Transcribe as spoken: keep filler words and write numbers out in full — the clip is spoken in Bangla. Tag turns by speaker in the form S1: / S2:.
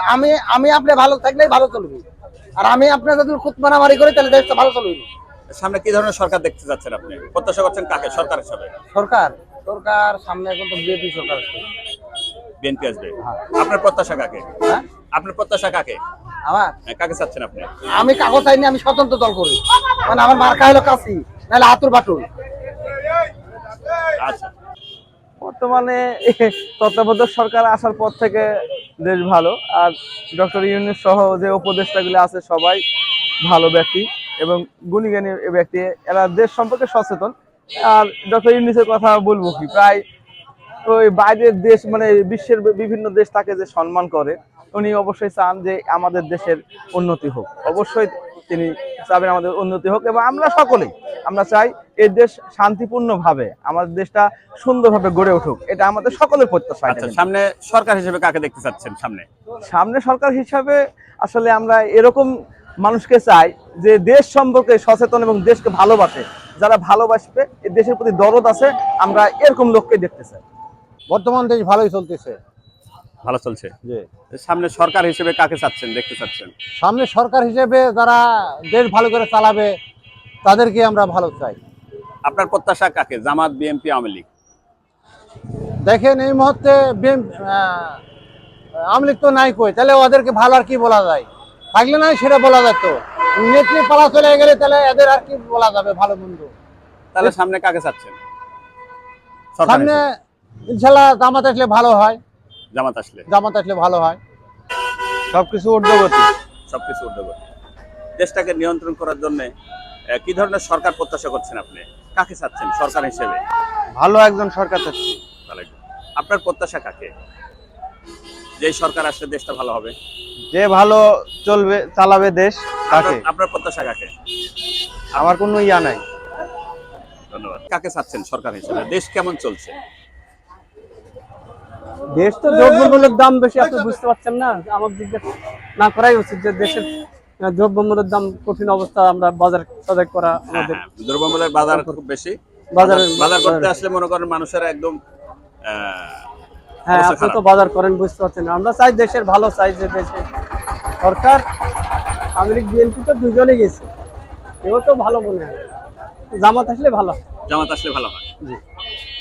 S1: আমি আমি আপনি ভালো থাকলেই ভালো চলবে, আর আমি আপনার যদি খুদ মারামারি করি তাহলে দেশটা ভালো চলবে না।
S2: সামনে কি ধরনের সরকার দেখতে যাচ্ছেন আপনি? প্রত্যাশা করছেন কাকে সরকার হিসাবে?
S1: সরকার সরকার সামনে এখন তো বিএপি সরকার আছে।
S2: বিএনপি আসবে।
S1: হ্যাঁ।
S2: আপনার প্রত্যাশা কাকে?
S1: হ্যাঁ
S2: আপনার প্রত্যাশা কাকে?
S1: আমার
S2: হ্যাঁ, কাকে চাচ্ছেন আপনি?
S1: আমি কাগজ চাইনি, আমি স্বতন্ত্র দল করি, মানে আমার মার্কা হলো কাশি নাহলে আতুর বাটুল।
S2: আচ্ছা,
S3: বর্তমানে তত্ত্বাবধায়ক সরকার আসার পর থেকে দেশ ভালো, আর ডক্টর ইউনূস সহ যে উপদেষ্টাগুলো আছে সবাই ভালো ব্যক্তি এবং গুণীজ্ঞানী ব্যক্তি, এরা দেশ সম্পর্কে সচেতন। আর ডক্টর ইউনূসের কথা বলবো কি, প্রায় ওই বাইরের দেশ মানে বিশ্বের বিভিন্ন দেশ তাকে যে সম্মান করে, উনি অবশ্যই চান যে আমাদের দেশের উন্নতি হোক। অবশ্যই তিনি চাবেন আমাদের উন্নতি হোক, এবং আমরা সকলেই আমরা চাই এই দেশ শান্তিপূর্ণভাবে আমাদের দেশটা সুন্দরভাবে গড়ে উঠুক, এটা আমাদের সকলের প্রত্যাশা।
S2: আচ্ছা, সামনে সরকার হিসেবে কাকে দেখতে চাচ্ছেন? সামনে
S3: সামনে সরকার হিসাবে আসলে আমরা এরকম মানুষকে চাই যে দেশ সম্পর্কে সচেতন এবং দেশকে ভালোবাসে, যারা ভালোবাসবে, এই দেশের প্রতি দরদ আছে, আমরা এরকম লোককে দেখতে চাই।
S1: বর্তমান দেশ ভালোই চলতেছে।
S2: ভালো চলছে।
S1: জি,
S2: সামনে সরকার হিসেবে কাকে চাচ্ছেন, দেখতে চাচ্ছেন?
S1: সামনে সরকার হিসেবে যারা দেশ ভালো করে চালাবে তাদেরকে আমরা ভালো চাই।
S2: আপনার প্রত্যাশা কাকে? জামাত, বিএনপি, আওয়ামী লীগ?
S1: দেখেন এই মুহূর্তে আওয়ামী লীগ তো নাই কই, তাহলে ওদেরকে ভালো আর কি বলা যায়? থাকলে নাই সেটা বলা যেত, নেত্রী পালা চলে গেলে তাহলে এদের আর কি বলা যাবে ভালো মন্দ।
S2: তাহলে সামনে কাকে চাচ্ছেন? সরকার
S1: সামনে
S2: হিসেবে?
S1: ইনশাল্লাহ জামাত আসলে ভালো হয়,
S2: জামাত আসলে
S1: জামাত আসলে ভালো হয়, সবকিছু ঊর্ধ্বগতি।
S2: সবকিছু উদ্যোগ। দেশটাকে নিয়ন্ত্রণ করার জন্য কি ধরনের সরকার প্রত্যাশা করছেন আপনি? কাকে চাচ্ছেন সরকার হিসেবে?
S1: ভালো একজন সরকার চাচ্ছি।
S2: ভালো একজন। আপনার প্রত্যাশা কাকে? যে সরকার আসলে দেশটা ভালো হবে,
S3: যে ভালো চলবে চালাবে দেশ তাকে।
S2: আপনার- আপনার প্রত্যাশা কাকে?
S3: আমার কোনো ইয়া নাই।
S2: ধন্যবাদ। কাকে চাচ্ছেন সরকার হিসেবে? দেশ কেমন চলছে?
S4: দেশ তো দ্রব্যমূল্যের দাম বেশি, আপনি বুঝতে পারছেন না? আমার জিজ্ঞেস না করাই উচিত যে দেশের দ্রব্যমূল্যের দাম কঠিন অবস্থা, আমরা বাজার সদাই করা
S2: হ্যাঁ,
S4: আমাদের
S2: হ্যাঁ, দ্রব্যমূল্যের বাজার খুব বেশি।
S4: বাজারে-
S2: বাজার করতে আসলে মনে করেন মানুষেরা একদম আহ,
S4: হ্যাঁ,
S2: অবস্থা
S4: আপনি তো
S2: খারাপ।
S4: বাজার করেন, বুঝতে পারছেন না? আমরা চাই দেশের ভালো, চাই যে দেশে সরকার আওয়ামী লীগ বিএনপি তো দুজনে গেছে, কেউ তো ভালো মনে হয়, জামাত আসলে ভালো।
S2: জামাত আসলে ভালো হয়।
S4: জি।